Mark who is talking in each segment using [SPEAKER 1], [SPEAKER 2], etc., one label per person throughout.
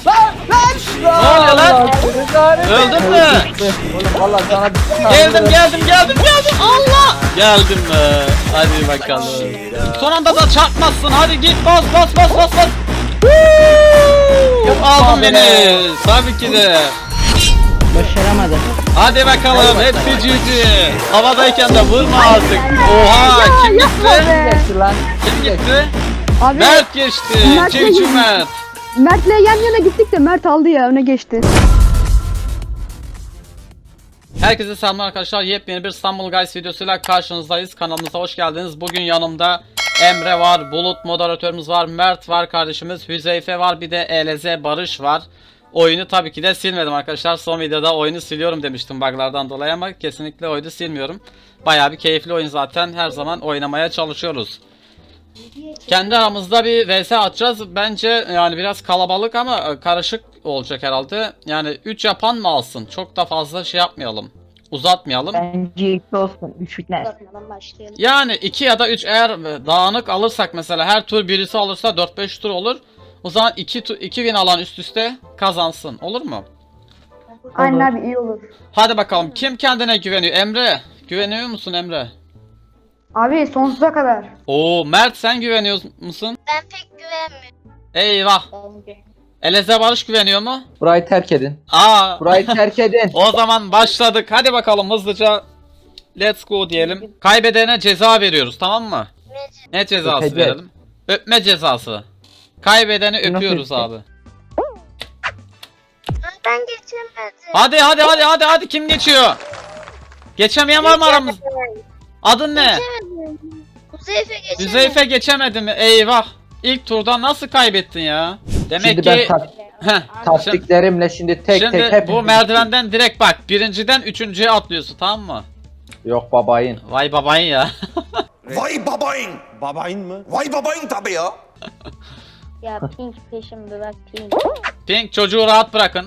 [SPEAKER 1] Ne oluyor lan? Öldün mü?
[SPEAKER 2] Oğlum valla sana
[SPEAKER 1] Geldim. Allah! Geldim be. Hadi bakalım. Son anda da çarpmazsın. Hadi git bas. Aldın beni. Tabii ki de.
[SPEAKER 3] Başaramadım.
[SPEAKER 1] Hadi bakalım. Hepsi cici. Havadayken de vurma artık. Oha! Kim gitti?
[SPEAKER 2] lan.
[SPEAKER 1] Kim gitti?
[SPEAKER 4] Abi
[SPEAKER 1] Mert geçti.
[SPEAKER 4] Mert
[SPEAKER 1] Cici
[SPEAKER 4] geçti.
[SPEAKER 1] Mert.
[SPEAKER 4] Mert'le yan yana gittik de Mert aldı ya, öne geçti.
[SPEAKER 1] Herkese selamlar arkadaşlar. Yepyeni bir İstanbul Guys videosuyla karşınızdayız. Kanalımıza hoş geldiniz. Bugün yanımda Emre var, Bulut moderatörümüz var, Mert var kardeşimiz, Hüzeyfe var, bir de ELZ Barış var. Oyunu tabii ki de silmedim arkadaşlar. Son videoda oyunu siliyorum demiştim buglardan dolayı ama kesinlikle oyunu silmiyorum. Bayağı bir keyifli oyun zaten. Her zaman oynamaya çalışıyoruz. Kendi aramızda bir vs atacağız. Bence yani biraz kalabalık ama karışık olacak herhalde. Yani 3 yapan mı alsın? Çok da fazla şey yapmayalım. Uzatmayalım.
[SPEAKER 3] Bence 2 olsun. 3 bitmez.
[SPEAKER 1] Yani 2 ya da 3 eğer dağınık alırsak mesela her tur birisi alırsa 4-5 tur olur. O zaman 2 win alan üst üste kazansın. Olur mu?
[SPEAKER 4] Aynen abi, iyi olur.
[SPEAKER 1] Hadi bakalım. Kim kendine güveniyor? Emre. Güveniyor musun Emre?
[SPEAKER 4] Abi sonsuza kadar.
[SPEAKER 1] Oo, Mert sen güveniyor musun?
[SPEAKER 5] Ben pek güvenmiyorum.
[SPEAKER 1] Eyvah. Eleze Barış güveniyor mu?
[SPEAKER 2] Burayı terk edin.
[SPEAKER 1] Aa.
[SPEAKER 2] Burayı terk edin.
[SPEAKER 1] O zaman başladık. Hadi bakalım hızlıca. Let's go diyelim. Kaybedene ceza veriyoruz, tamam mı? Ne cezası
[SPEAKER 2] Öpeceğiz.
[SPEAKER 1] verelim? Öpme cezası. Kaybedeni öpüyoruz
[SPEAKER 2] öpecek?
[SPEAKER 1] abi.
[SPEAKER 5] Ben geçemedim.
[SPEAKER 1] Hadi kim geçiyor? Geçemeyen var mı aramız? Adın ne?
[SPEAKER 5] Geçemedim. Huzeyfe geçemedim.
[SPEAKER 1] Hüzeyfe geçemedi mi? Eyvah. İlk turdan nasıl kaybettin ya? Demek
[SPEAKER 2] Şimdi
[SPEAKER 1] ki
[SPEAKER 2] ben taktiklerimle şimdi tek
[SPEAKER 1] şimdi
[SPEAKER 2] hep
[SPEAKER 1] bu merdivenden direkt bak, birinciden üçüncüye atlıyorsun, tamam mı?
[SPEAKER 2] Yok babayın.
[SPEAKER 1] Vay babayın ya.
[SPEAKER 6] Vay babayın. Babayın mı? Vay babayın tabii ya.
[SPEAKER 5] Ya Pink peşimde bak Pink.
[SPEAKER 1] Pink, çocuğu rahat bırakın.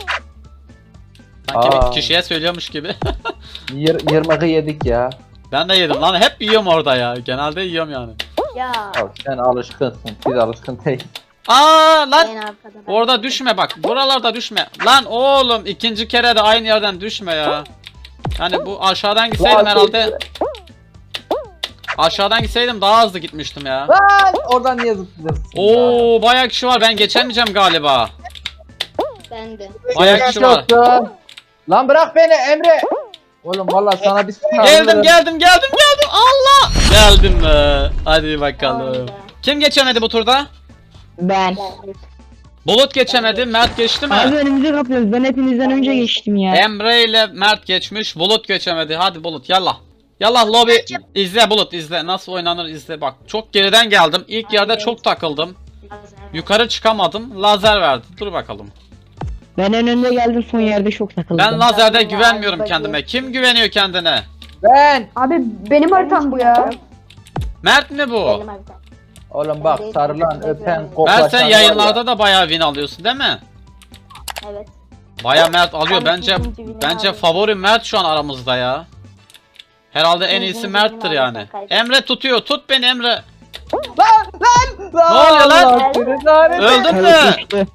[SPEAKER 1] Sanki
[SPEAKER 2] Aa.
[SPEAKER 1] bir kişiye söylüyormuş gibi.
[SPEAKER 2] Yırmığı yedik ya.
[SPEAKER 1] Ben de yedim lan, hep yiyorum orada ya. Genelde yiyorum yani.
[SPEAKER 5] Ya.
[SPEAKER 2] Al, sen alışkınsın. Biz alışkın değil.
[SPEAKER 1] Aa lan.
[SPEAKER 5] En arkada ben.
[SPEAKER 1] Orada düşme bak. Buralarda düşme. Lan oğlum, ikinci kere de aynı yerden düşme ya. Yani bu aşağıdan gitseydim herhalde. Aşağıdan gitseydim daha hızlı gitmiştim ya.
[SPEAKER 2] Lan oradan niye zıplıyorsun?
[SPEAKER 1] Oo, bayağı kişi var. Ben geçemeyeceğim galiba.
[SPEAKER 5] Ben de.
[SPEAKER 1] Bayağı kişi var.
[SPEAKER 2] Yoksun. Lan bırak beni Emre. Oğlum vallahi sana bir
[SPEAKER 1] Geldim. Allah! Geldim be. Hadi bakalım. Kim geçemedi bu turda?
[SPEAKER 3] Ben.
[SPEAKER 1] Bulut geçemedi. Mert geçti mi?
[SPEAKER 3] Abi önümüzü kapıyoruz. Ben hepinizden önce geçtim ya.
[SPEAKER 1] Emre ile Mert geçmiş. Bulut geçemedi. Hadi Bulut yallah. Yallah lobi izle Bulut, izle. Nasıl oynanır izle bak. Çok geriden geldim. İlk yerde çok takıldım. Yukarı çıkamadım. Lazer verdi. Dur bakalım.
[SPEAKER 3] Ben en önde geldim, son yerde çok takıldım.
[SPEAKER 1] Ben lazerde güvenmiyorum kendime. Kim güveniyor kendine?
[SPEAKER 2] Ben.
[SPEAKER 4] Abi benim haritam bu ya.
[SPEAKER 1] Mert mi bu?
[SPEAKER 5] Benim haritam.
[SPEAKER 2] Oğlum bak sarılan öpen
[SPEAKER 1] Mert
[SPEAKER 2] koklaşan
[SPEAKER 1] sen
[SPEAKER 2] var
[SPEAKER 1] yayınlarda da bayağı win alıyorsun değil mi?
[SPEAKER 5] Evet.
[SPEAKER 1] Bayağı Mert alıyor.
[SPEAKER 5] Ben
[SPEAKER 1] Bence
[SPEAKER 5] ikinci win'i
[SPEAKER 1] bence
[SPEAKER 5] aldım.
[SPEAKER 1] favori Mert şu an aramızda ya. Herhalde en iyisi
[SPEAKER 5] İkinci
[SPEAKER 1] Mert'tir
[SPEAKER 5] win'i
[SPEAKER 1] yani.
[SPEAKER 5] aldım, kaybettim.
[SPEAKER 1] Emre tutuyor. Tut beni Emre.
[SPEAKER 2] ya.
[SPEAKER 1] Ne oluyor lan?
[SPEAKER 2] Allah seni lanet etsin.
[SPEAKER 1] Öldün mü?
[SPEAKER 3] Düştü.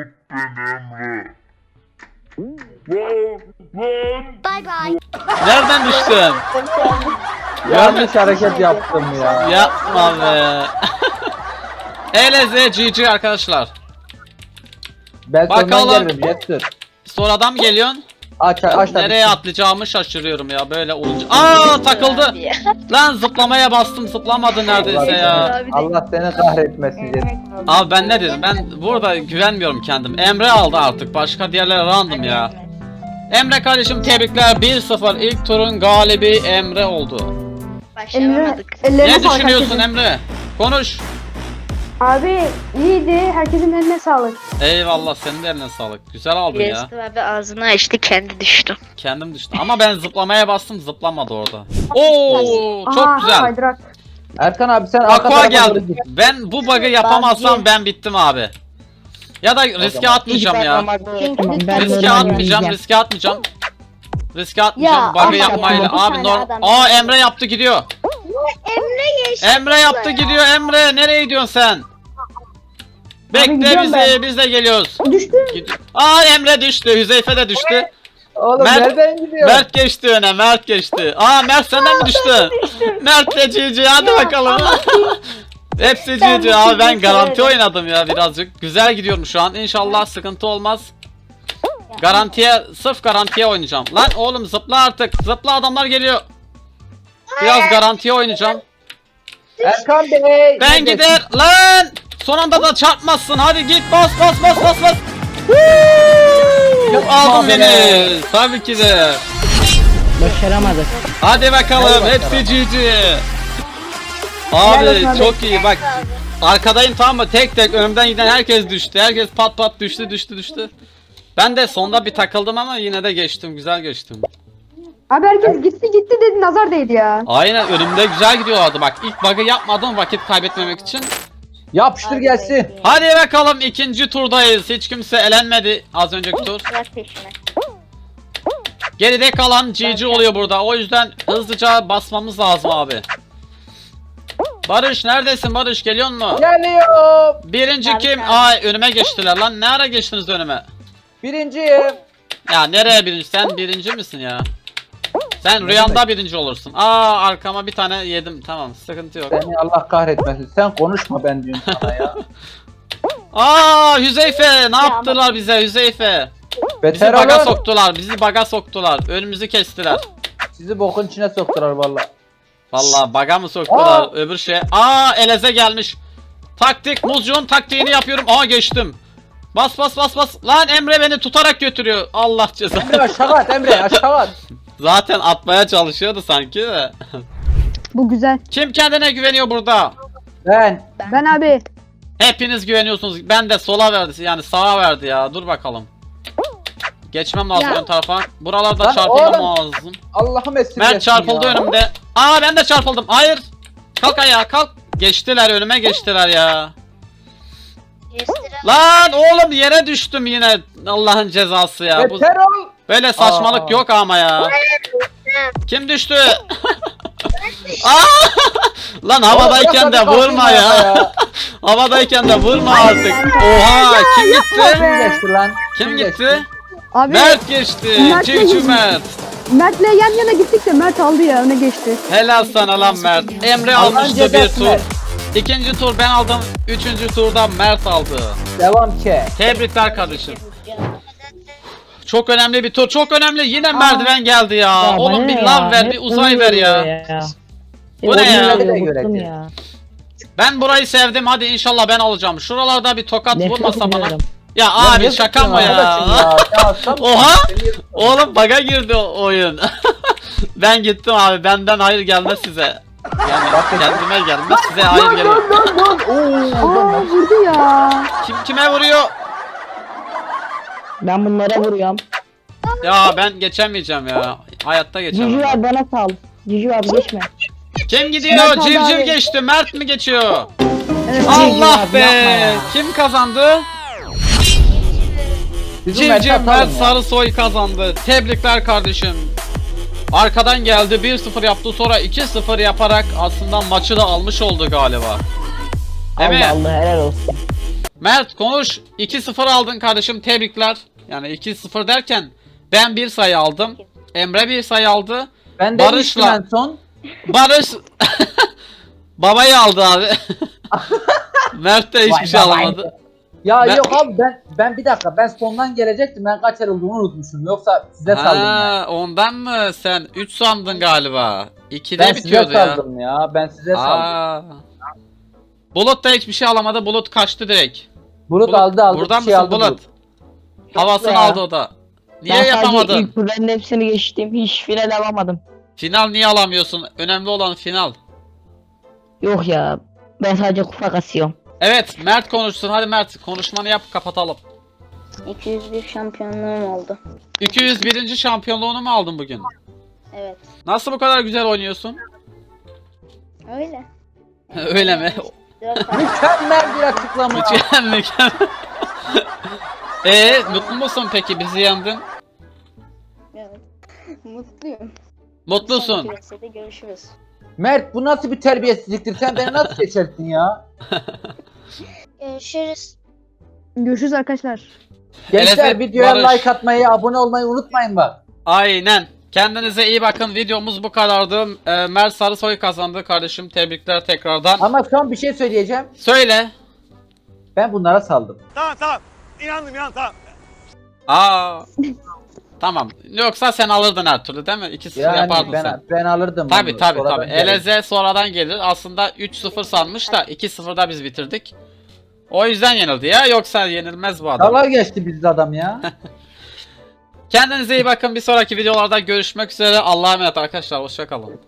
[SPEAKER 5] Bye bye.
[SPEAKER 1] Nereden düştün?
[SPEAKER 2] Yanlış hareket yaptım ya.
[SPEAKER 1] Yapma be. ELZ GG arkadaşlar.
[SPEAKER 2] Ben
[SPEAKER 1] Bakalım.
[SPEAKER 2] sondan gelirim Jester.
[SPEAKER 1] Sonradan mı geliyorsun?
[SPEAKER 2] Aç da
[SPEAKER 1] Nereye atlayacağımı şaşırıyorum ya böyle olunca. Aa, takıldı. Lan zıplamaya bastım, zıplamadı neredeyse ya.
[SPEAKER 2] Allah seni kahretmesin Jester.
[SPEAKER 1] Abi ben ne dedim? Ben burada güvenmiyorum kendim. Emre aldı artık. Başka diğerleri random ya. Emre kardeşim tebrikler. 1-0 ilk turun galibi Emre oldu.
[SPEAKER 4] Emre,
[SPEAKER 1] Ne
[SPEAKER 4] ellerine sağlık
[SPEAKER 1] düşünüyorsun
[SPEAKER 4] herkesin.
[SPEAKER 1] Emre? Konuş.
[SPEAKER 4] Abi iyiydi. Herkesin eline sağlık.
[SPEAKER 1] Eyvallah, senin de eline sağlık. Güzel aldın ya.
[SPEAKER 5] Resmi abi ağzını açtı, kendi düştü.
[SPEAKER 1] Kendim düştüm. Ama ben zıplamaya bastım, zıplamadı orada. Oo, çok
[SPEAKER 4] Aha,
[SPEAKER 1] güzel.
[SPEAKER 4] Kaydırak.
[SPEAKER 2] Erkan abi sen arka
[SPEAKER 1] Aqua
[SPEAKER 2] tarafa doğru
[SPEAKER 1] geldi.
[SPEAKER 2] git.
[SPEAKER 1] Ben bu bug'ı yapamazsam ben bittim abi. Ya da riske atmayacağım ya. Riske atmayacağım, riske atmayacağım. Riske atmayacağım
[SPEAKER 5] Ya,
[SPEAKER 1] bug'ı
[SPEAKER 5] ama
[SPEAKER 1] yapmayla.
[SPEAKER 5] ya, bir
[SPEAKER 1] Abi
[SPEAKER 5] tane adam-
[SPEAKER 1] Aa, Emre yaptı gidiyor.
[SPEAKER 5] Emre geçti.
[SPEAKER 1] Emre yaptı gidiyor Emre. Nereye gidiyorsun sen? Bekle
[SPEAKER 4] gidiyorum
[SPEAKER 1] bizi,
[SPEAKER 4] ben.
[SPEAKER 1] biz de geliyoruz.
[SPEAKER 4] Düştü.
[SPEAKER 1] Aa Emre düştü, Hüzeyfe de düştü.
[SPEAKER 2] Oğlum
[SPEAKER 1] Mert-
[SPEAKER 2] nereden gidiyor?
[SPEAKER 1] Mert geçti öne, Mert geçti. Aa Mert senden mi düştü? Mert de GG, hadi bakalım. Hepsi
[SPEAKER 5] Ben
[SPEAKER 1] GG
[SPEAKER 5] bu
[SPEAKER 1] abi, ben
[SPEAKER 5] çocuğu
[SPEAKER 1] garanti
[SPEAKER 5] severim.
[SPEAKER 1] oynadım ya birazcık. Güzel gidiyorum şu an, İnşallah sıkıntı olmaz. Garantiye, sırf garantiye oynayacağım. Lan oğlum zıpla artık, zıpla, adamlar geliyor. Biraz garantiye oynayacağım.
[SPEAKER 2] Erkan Bey.
[SPEAKER 1] Ben
[SPEAKER 2] neredesin?
[SPEAKER 1] gider lan. Son anda da çarpmazsın. Hadi git, bas. Aldın
[SPEAKER 2] be.
[SPEAKER 1] beni. Tabii ki de.
[SPEAKER 3] Başaramadık.
[SPEAKER 1] Hadi bakalım.
[SPEAKER 2] Hadi
[SPEAKER 1] Hepsi GG.
[SPEAKER 4] Helal
[SPEAKER 1] Abi
[SPEAKER 4] olsun abi.
[SPEAKER 1] çok iyi bak. Arkadayım tamam mı? Tek tek önümden giden herkes düştü. Herkes pat pat düştü. Ben de sonda bir takıldım ama yine de geçtim. Güzel geçtim.
[SPEAKER 4] Abi herkes gitti dedi nazar değdi ya.
[SPEAKER 1] Aynen, önümde güzel gidiyorlardı. Bak ilk bug'ı yapmadım vakit kaybetmemek için.
[SPEAKER 2] Yapıştır gelsin.
[SPEAKER 1] Hadi bakalım, ikinci turdayız. Hiç kimse elenmedi az önceki tur.
[SPEAKER 5] Bırak peşime.
[SPEAKER 1] Geride kalan GG oluyor burada. O yüzden hızlıca basmamız lazım abi. Barış neredesin Barış, geliyor mu?
[SPEAKER 2] Geliyor.
[SPEAKER 1] Birinci
[SPEAKER 5] Abi,
[SPEAKER 1] kim?
[SPEAKER 5] abi.
[SPEAKER 1] Ay önüme geçtiler lan. Ne ara geçtiniz önüme?
[SPEAKER 2] Birinciyim.
[SPEAKER 1] Ya nereye birinci? Sen birinci misin ya? Sen rüyanda birinci olursun. Aa arkama bir tane yedim. Tamam, sıkıntı yok.
[SPEAKER 2] Seni Allah kahretmesin. Sen konuşma ben diyorum sana ya.
[SPEAKER 1] Aa Hüzeyfe ne yaptılar bize Hüzeyfe? Bizi
[SPEAKER 2] Beter
[SPEAKER 1] baga
[SPEAKER 2] olun.
[SPEAKER 1] soktular. Bizi baga soktular. Önümüzü kestiler.
[SPEAKER 2] Sizi bokun içine soktular valla.
[SPEAKER 1] Vallahi baga mı soktular
[SPEAKER 2] Aa!
[SPEAKER 1] öbür şey. Aa Eleze gelmiş. Taktik, Muzcuğun taktiğini yapıyorum. Aa geçtim. Bas. Lan Emre beni tutarak götürüyor. Allah cezanı.
[SPEAKER 2] Emre aşağı at Emre aşağı at.
[SPEAKER 1] Zaten atmaya çalışıyordu sanki de.
[SPEAKER 4] Bu güzel.
[SPEAKER 1] Kim kendine güveniyor burada?
[SPEAKER 2] Ben.
[SPEAKER 4] Ben abi.
[SPEAKER 1] Hepiniz güveniyorsunuz. Ben de sola verdi, yani sağa verdi ya. Dur bakalım. Geçmem lazım
[SPEAKER 4] Ya.
[SPEAKER 1] ön tarafa. Buralarda
[SPEAKER 2] Lan
[SPEAKER 1] çarpılmam
[SPEAKER 2] oğlum.
[SPEAKER 1] lazım.
[SPEAKER 2] Allah'ım esirgesin
[SPEAKER 1] Mert çarpıldı
[SPEAKER 2] ya.
[SPEAKER 1] önümde. Aa ben de çarpıldım. Hayır. Kalk ayağa kalk. Geçtiler, önüme geçtiler ya. Lan oğlum yere düştüm yine. Allah'ın cezası ya. Bu
[SPEAKER 2] Beter ol.
[SPEAKER 1] böyle saçmalık
[SPEAKER 2] Aa.
[SPEAKER 1] yok ama ya. Kim düştü? Aa! Lan havadayken de
[SPEAKER 2] Oğlum,
[SPEAKER 1] vurma
[SPEAKER 2] bırak hadi
[SPEAKER 1] ya.
[SPEAKER 2] kalkayım
[SPEAKER 1] Havadayken de vurma artık. Oha kim gitti?
[SPEAKER 2] Kim geçti lan?
[SPEAKER 1] Kim gitti?
[SPEAKER 4] Abi
[SPEAKER 1] Mert geçti.
[SPEAKER 4] Mert
[SPEAKER 1] Cici
[SPEAKER 4] geçti.
[SPEAKER 1] Mert.
[SPEAKER 4] Mert'le yan yana gittik de Mert aldı ya öne geçti.
[SPEAKER 1] Helal sana lan Mert. Emre
[SPEAKER 2] Allah'ın
[SPEAKER 1] almıştı bir
[SPEAKER 2] cezası
[SPEAKER 1] tur.
[SPEAKER 2] Mert.
[SPEAKER 1] İkinci tur ben aldım. Üçüncü turda Mert aldı.
[SPEAKER 2] Devam ki.
[SPEAKER 1] Tebrikler kardeşim. Çok önemli bir tur. Çok önemli. Yine merdiven geldi ya.
[SPEAKER 3] Ya
[SPEAKER 1] Oğlum
[SPEAKER 3] bana
[SPEAKER 1] bir
[SPEAKER 3] ne
[SPEAKER 1] lav
[SPEAKER 3] ya?
[SPEAKER 1] ver, bir
[SPEAKER 3] Hep
[SPEAKER 1] uzay
[SPEAKER 3] bunu
[SPEAKER 1] ver ya.
[SPEAKER 3] veriyor
[SPEAKER 1] Bu ne ya?
[SPEAKER 2] Oyunları da göre
[SPEAKER 3] Bıktım
[SPEAKER 2] ki.
[SPEAKER 3] ya.
[SPEAKER 1] Ben burayı sevdim. Hadi inşallah ben alacağım. Şuralarda bir tokat
[SPEAKER 3] Nefret
[SPEAKER 1] vurmasa bana.
[SPEAKER 3] ediyorum.
[SPEAKER 1] Ya
[SPEAKER 2] Ya
[SPEAKER 1] abi
[SPEAKER 2] ne
[SPEAKER 1] şaka mı
[SPEAKER 2] yapıyorsun
[SPEAKER 1] ya?
[SPEAKER 2] arkadaşım ya? Sen-
[SPEAKER 1] Oha!
[SPEAKER 2] Seni-
[SPEAKER 1] Oğlum baga girdi o oyun. Ben gittim abi. Benden hayır gelmez size. Yani kendime gelmez, size hayır gelir.
[SPEAKER 4] Aa vurdu ya.
[SPEAKER 1] Kim kime vuruyor?
[SPEAKER 3] Ben bunlara vuruyorum.
[SPEAKER 1] Ya ben geçemeyeceğim ya. Hayatta geçemem.
[SPEAKER 3] Cici abi bana sal. Cici abi geçme.
[SPEAKER 1] Kim gidiyor?
[SPEAKER 4] Mert aldı
[SPEAKER 1] Civciv
[SPEAKER 4] abi.
[SPEAKER 1] geçti. Mert mi geçiyor?
[SPEAKER 4] Evet.
[SPEAKER 1] Allah
[SPEAKER 3] abi,
[SPEAKER 1] be!
[SPEAKER 3] yapma ya.
[SPEAKER 1] Kim kazandı?
[SPEAKER 2] Bizim Mert'i
[SPEAKER 1] Civciv Mert
[SPEAKER 2] atalım ya.
[SPEAKER 1] Sarısoy kazandı. Tebrikler kardeşim. Arkadan geldi, 1-0 yaptı, sonra 2-0 yaparak aslında maçı da almış oldu galiba. Değil mi?
[SPEAKER 3] Allah Allah helal olsun.
[SPEAKER 1] Mert konuş. 2-0 aldın kardeşim, tebrikler. Yani 2-0 derken ben bir sayı aldım. Emre bir sayı aldı.
[SPEAKER 2] Ben de
[SPEAKER 1] Barış'la-
[SPEAKER 2] düştüm en son.
[SPEAKER 1] Barış babayı aldı abi. Mert de hiçbir
[SPEAKER 2] Vay
[SPEAKER 1] şey
[SPEAKER 2] babayı.
[SPEAKER 1] alamadı.
[SPEAKER 2] Ya
[SPEAKER 1] Ben-
[SPEAKER 2] yok abi ben bir dakika ben sondan gelecektim. Ben kaç yer olduğunu unutmuşum. Yoksa size saldım ya.
[SPEAKER 1] Ha, ondan mı? Sen 3 sandın galiba. 2'de
[SPEAKER 2] Ben size
[SPEAKER 1] bitiyordu ya.
[SPEAKER 2] saldım ya. Ben size saldım.
[SPEAKER 1] Aa. Bulut da hiçbir şey alamadı. Bulut kaçtı direkt.
[SPEAKER 2] Bulut aldı
[SPEAKER 1] Buradan
[SPEAKER 2] bir şey
[SPEAKER 1] mısın
[SPEAKER 2] aldı
[SPEAKER 1] Bulut? Havasını
[SPEAKER 2] ya.
[SPEAKER 1] aldı o da. Niye
[SPEAKER 3] Ben sadece
[SPEAKER 1] yapamadın?
[SPEAKER 3] ilk turların hepsini geçtim. Hiç final alamadım.
[SPEAKER 1] Final niye alamıyorsun? Önemli olan final.
[SPEAKER 3] Yok ya. Ben sadece kupa kasıyorum.
[SPEAKER 1] Evet, Mert konuşsun. Hadi Mert konuşmanı yap, kapatalım.
[SPEAKER 5] 201 şampiyonluğum oldu.
[SPEAKER 1] 201. şampiyonluğunu mu aldın bugün?
[SPEAKER 5] Evet.
[SPEAKER 1] Nasıl bu kadar güzel oynuyorsun?
[SPEAKER 5] Öyle.
[SPEAKER 1] Öyle mi?
[SPEAKER 5] 4 ay.
[SPEAKER 2] Mükemmel bir açıklama.
[SPEAKER 1] Mükemmel. Mutlu musun peki, bizi yendin?
[SPEAKER 5] Evet. Mutluyum.
[SPEAKER 1] Mutlusun.
[SPEAKER 5] Sonraki vs.'de görüşürüz.
[SPEAKER 2] Mert bu nasıl bir terbiyesizliktir? Sen beni nasıl geçersin ya?
[SPEAKER 5] Görüşürüz.
[SPEAKER 4] Görüşürüz arkadaşlar.
[SPEAKER 2] Gençler
[SPEAKER 1] Eleze,
[SPEAKER 2] videoya
[SPEAKER 1] Barış.
[SPEAKER 2] like atmayı, abone olmayı unutmayın bak.
[SPEAKER 1] Aynen. Kendinize iyi bakın. Videomuz bu kadardı. Mert Sarısoy kazandı kardeşim. Tebrikler tekrardan.
[SPEAKER 2] Ama son bir şey söyleyeceğim.
[SPEAKER 1] Söyle.
[SPEAKER 2] Ben bunlara saldım.
[SPEAKER 6] Tamam tamam. İnandım tamam.
[SPEAKER 1] Aa. Tamam. Yoksa sen alırdın her türlü değil mi? 2-0
[SPEAKER 2] Yani
[SPEAKER 1] yapardın sen.
[SPEAKER 2] ben alırdım.
[SPEAKER 1] Tabi
[SPEAKER 2] bunu.
[SPEAKER 1] tabi
[SPEAKER 2] Sonradan
[SPEAKER 1] tabi.
[SPEAKER 2] geldim.
[SPEAKER 1] Eleze sonradan gelir. Aslında 3-0 sanmış da 2-0'da biz bitirdik. O yüzden yenildi ya. Yoksa yenilmez bu adam.
[SPEAKER 2] Dalga geçti bizde adam ya.
[SPEAKER 1] Kendinize iyi bakın. Bir sonraki videolarda görüşmek üzere. Allah'a emanet arkadaşlar. Hoşça kalın.